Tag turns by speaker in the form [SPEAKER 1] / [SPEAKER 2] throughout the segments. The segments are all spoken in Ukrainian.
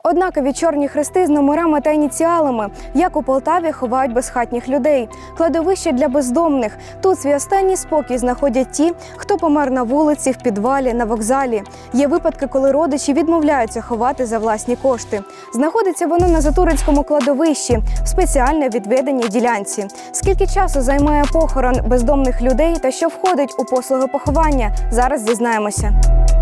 [SPEAKER 1] Однакові чорні хрести з номерами та ініціалами, як у Полтаві ховають безхатніх людей. Кладовище для бездомних. Тут свій останній спокій знаходять ті, хто помер на вулиці, в підвалі, на вокзалі. Є випадки, коли родичі відмовляються ховати за власні кошти. Знаходиться воно на Затуринському кладовищі, в спеціально відведеній ділянці. Скільки часу займає похорон бездомних людей та що входить у послуги поховання, зараз дізнаємося.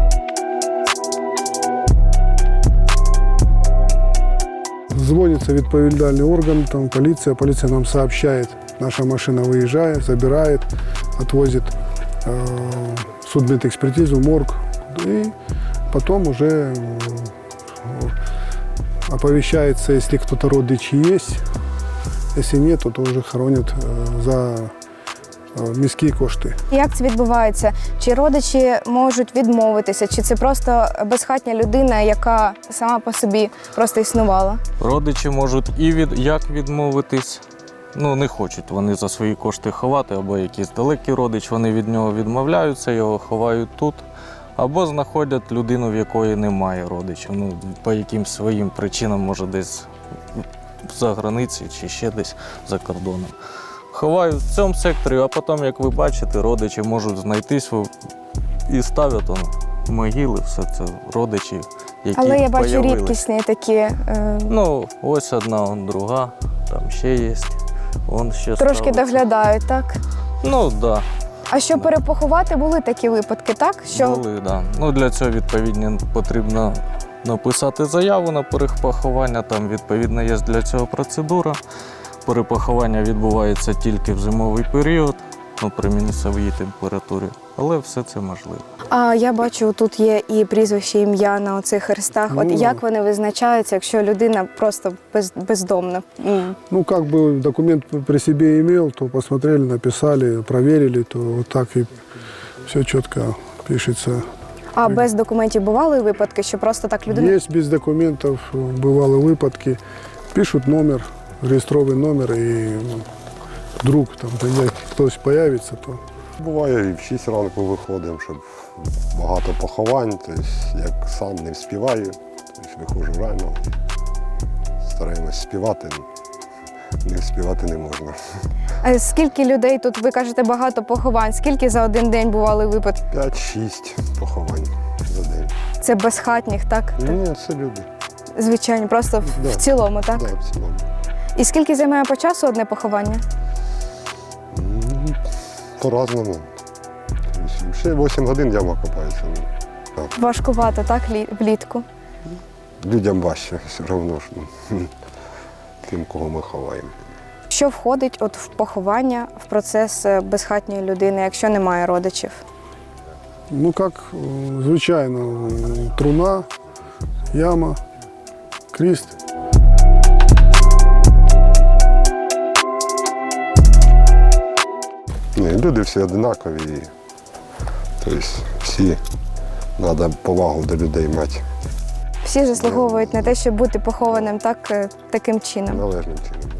[SPEAKER 2] Звонится відповідальний орган, там полиция нам сообщает, наша машина выезжает, забирает, отвозит судмедэкспертизу, морг, и потом уже оповещается, если кто-то родичи есть, если нет, то уже хоронят за міські кошти.
[SPEAKER 1] Як це відбувається? Чи родичі можуть відмовитися, чи це просто безхатня людина, яка сама по собі просто існувала?
[SPEAKER 3] Родичі можуть як відмовитись, не хочуть вони за свої кошти ховати, або якийсь далекий родич, вони від нього відмовляються, його ховають тут, або знаходять людину, в якої немає родичів, по якимсь своїм причинам, може десь за границі чи ще десь за кордоном. Ховають в цьому секторі, а потім, як ви бачите, родичі можуть знайтись і ставлять могили, все це родичі, які
[SPEAKER 1] Але я бачу
[SPEAKER 3] появились.
[SPEAKER 1] рідкісні такі.
[SPEAKER 3] Ось одна, друга, там ще є. Ще
[SPEAKER 1] Трошки
[SPEAKER 3] ставиться.
[SPEAKER 1] доглядають, так?
[SPEAKER 3] Да.
[SPEAKER 1] А щоб перепоховати, були такі випадки, так?
[SPEAKER 3] Були, да. Для цього, відповідно, потрібно написати заяву на перепоховання, там, відповідно, є для цього процедура. Перепоховання відбувається тільки в зимовий період, при мінусовій температурі, але все це можливо.
[SPEAKER 1] А я бачу, тут є і прізвище, ім'я на оцих хрестах. От як вони визначаються, якщо людина просто бездомна?
[SPEAKER 2] Документ при себе имел, то посмотрели, написали, проверили, то вот так и все четко пишется.
[SPEAKER 1] А без документів бували випадки, що просто так людина?
[SPEAKER 2] Есть без документов, бывали выпадки, пишут номер, реєстровий номер, і вдруг там хтось появиться, то.
[SPEAKER 4] Буває, і в 6 ранку виходимо, щоб багато поховань, тобто як сам не вспіваю, тобто виходжу рано, стараємось співати, не співати не можна.
[SPEAKER 1] А скільки людей тут, ви кажете, багато поховань, скільки за один день бували випадки?
[SPEAKER 4] 5-6 поховань за день.
[SPEAKER 1] Це безхатніх, так?
[SPEAKER 4] Ні, це люди.
[SPEAKER 1] Звичайно, просто в цілому, так?
[SPEAKER 4] Так, в цілому.
[SPEAKER 1] І скільки займає по часу одне поховання?
[SPEAKER 4] По-разному. Ще 8 годин яма копається.
[SPEAKER 1] Важкувато, так, влітку?
[SPEAKER 4] Людям важче все одно, тим, кого ми ховаємо.
[SPEAKER 1] Що входить в поховання, в процес безхатньої людини, якщо немає родичів?
[SPEAKER 2] Звичайно, труна, яма, кріст.
[SPEAKER 4] Люди всі однакові, тобто всі треба повагу до людей мати.
[SPEAKER 1] Всі заслуговують на те, щоб бути похованим таким чином.
[SPEAKER 4] Належним чином.